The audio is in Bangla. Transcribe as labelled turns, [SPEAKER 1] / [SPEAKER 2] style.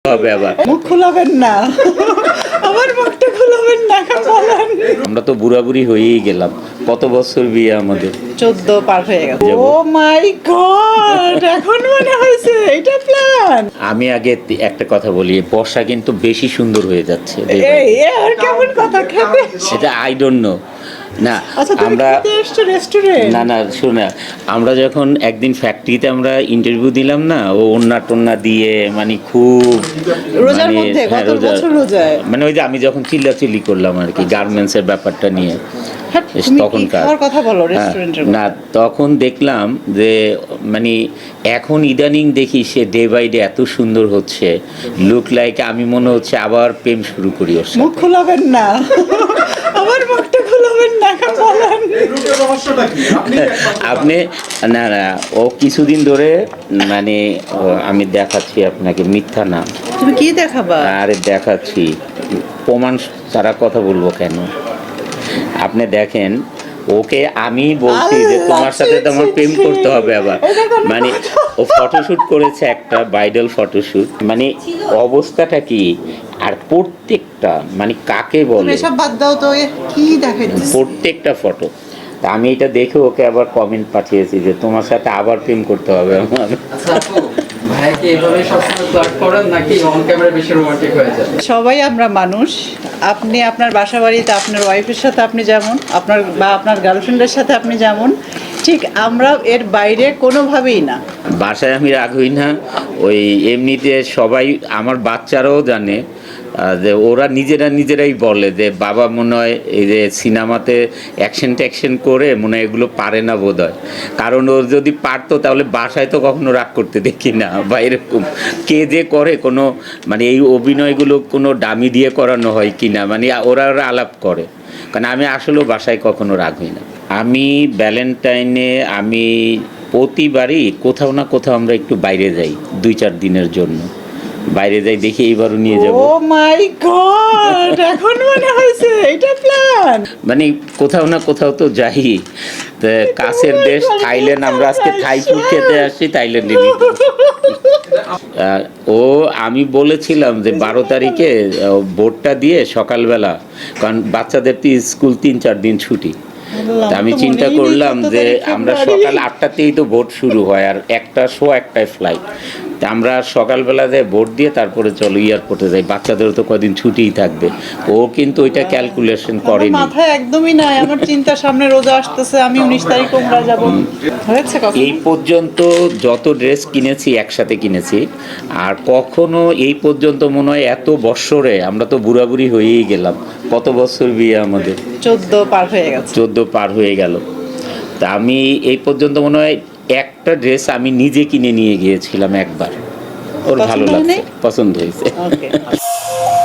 [SPEAKER 1] হবে আবার
[SPEAKER 2] মুখ খোলাবেন না, আমার মুখটা খোলাবেন না, বলেন।
[SPEAKER 1] আমরা তো বুড়াবুড়ি হয়েই গেলাম, কত বছর বিয়ে আমাদের?
[SPEAKER 2] 14 পার হয়ে গেছে। ও মাই গড, এখন মনে হয়েছে এটা প্ল্যান।
[SPEAKER 1] আমি আগে একটা কথা বলি, বর্ষা কিন্তু বেশি সুন্দর হয়ে যাচ্ছে।
[SPEAKER 2] এই আর কেমন কথা খেতে?
[SPEAKER 1] সেটা আই ডোন্ট নো। না
[SPEAKER 2] আচ্ছা, তুমি
[SPEAKER 1] আমরা
[SPEAKER 2] খেতে এসছো রেস্টুরেন্ট?
[SPEAKER 1] না শোনা, আমরা যখন একদিন ফ্যাক্টরিতে আমরা ইন্টারভিউ দিলাম না, ও ওন্না টোন্না দিয়ে মানে খুব
[SPEAKER 2] রোজার মধ্যে
[SPEAKER 1] হ্যাঁ,
[SPEAKER 2] গত বছর রোজায়
[SPEAKER 1] মানে ওই যে আমি যখন চিল্লাচিল্লি করলাম আর কি গার্মেন্টসের ব্যাপারটা নিয়ে তখনকার
[SPEAKER 2] কথা বলো রেস্টুরেন্টের।
[SPEAKER 1] না তখন দেখলাম যে মানে এখন ইদানিং দেখি সে ডে বাই ডে এত সুন্দর হচ্ছে, লুক লাইক আমি মনে হচ্ছে আবার প্রেম শুরু করি ওর সাথে।
[SPEAKER 2] মুখ খোলাবেন না, আমার মুখটা খোলাবেন না, বলেন।
[SPEAKER 1] আপনি না ও কিছুদিন ধরে মানে আমি দেখাচ্ছি আপনাকে, মিথ্যা না।
[SPEAKER 2] তুমি কি দেখাবা?
[SPEAKER 1] আরে দেখাচ্ছি, প্রমাণ ছাড়া কথা বলবো কেন? আপনি দেখেন, ওকে আমি বলছি যে তোমার সাথে তো আমার প্রেম করতে হবে আবার, মানে ও ফটোশুট করেছে একটা ব্রাইডাল ফটোশুট, মানে অবস্থাটা কি, আর প্রত্যেকটা মানে কাকে বলে
[SPEAKER 2] এসব বাদ দাও তো, কি দেখাইছিস?
[SPEAKER 1] প্রত্যেকটা ফটো। তা আমি এটা দেখে ওকে আবার কমেন্ট পাঠিয়েছি যে তোমার সাথে আবার প্রেম করতে হবে আমার।
[SPEAKER 2] সবাই আমরা মানুষ। আপনি আপনার বাসা বাড়িতে আপনার ওয়াইফের সাথে আপনি যেমন, আপনার বা আপনার গার্লফ্রেন্ডের সাথে আপনি যেমন, ঠিক আমরা এর বাইরে কোনোভাবেই না।
[SPEAKER 1] বাসায় আমি রাগ হই না, ওই এমনিতে সবাই আমার বাচ্চারাও জানে যে ওরা নিজেরাই বলে যে বাবা মনে হয় এই যে সিনেমাতে অ্যাকশন করে মনে হয় এগুলো পারে না বোধ হয়, কারণ ওর যদি পারতো তাহলে বাসায় তো কখনো রাগ করতে দেখি না, বা এরকম কে যে করে কোনো মানে এই অভিনয়গুলো কোনো ডামি দিয়ে করানো হয় কি না, মানে ওরা আলাপ করে, কারণ আমি আসলেও বাসায় কখনো রাগ হই না। আমি ভ্যালেন্টাইনে আমি প্রতিবারই কোথাও না কোথাও আমরা একটু বাইরে যাই, 2-4 দিনের জন্য বাইরে যাই, দেখি এইবারও নিয়ে যাব।
[SPEAKER 2] ও মাই গড, এখন মনে হয়েছে এটা প্ল্যান।
[SPEAKER 1] মানে কোথাও না কোথাও তো যাই। কাছের দেশ থাইল্যান্ড, আমরা আজকে থাই ফুড খেতে আসছি থাইল্যান্ডে। ও আমি বলেছিলাম যে 12 তারিখে ভোটটা দিয়ে সকালবেলা, কারণ বাচ্চাদের তো স্কুল 3-4 দিন ছুটি, আমি চিন্তা করলাম যে আমরা সকাল 8টাতেই তো ভোট শুরু হয়, আর 1টায় ফ্লাইট, তা আমরা সকালবেলা যাই ভোট দিয়ে তারপরে চলো এয়ারপোর্টে যাই, বাচ্চাদেরও তো কদিন ছুটিই থাকবে। ও কিন্তু ওইটা ক্যালকুলেশন করেনি,
[SPEAKER 2] মাথায় একদমই নাই। আমার চিন্তা সামনে রোজা আসতেছে, আমি 19 তারিখ উমরা যাব। হয়েছে
[SPEAKER 1] এই পর্যন্ত যত ড্রেস কিনেছি একসাথে কিনেছি, আর কখনো এই পর্যন্ত মনে হয় এত বৎসরে, আমরা তো বুড়াবুড়ি হয়েই গেলাম, কত বছর বিয়ে আমাদের?
[SPEAKER 2] 14 পার হয়ে গেছে।
[SPEAKER 1] 14 পার হয়ে গেল। তা আমি এই পর্যন্ত মনে হয় একটা ড্রেস আমি নিজে কিনে নিয়ে গিয়েছিলাম একবার, ওর ভালো লাগছে, পছন্দ হয়েছে।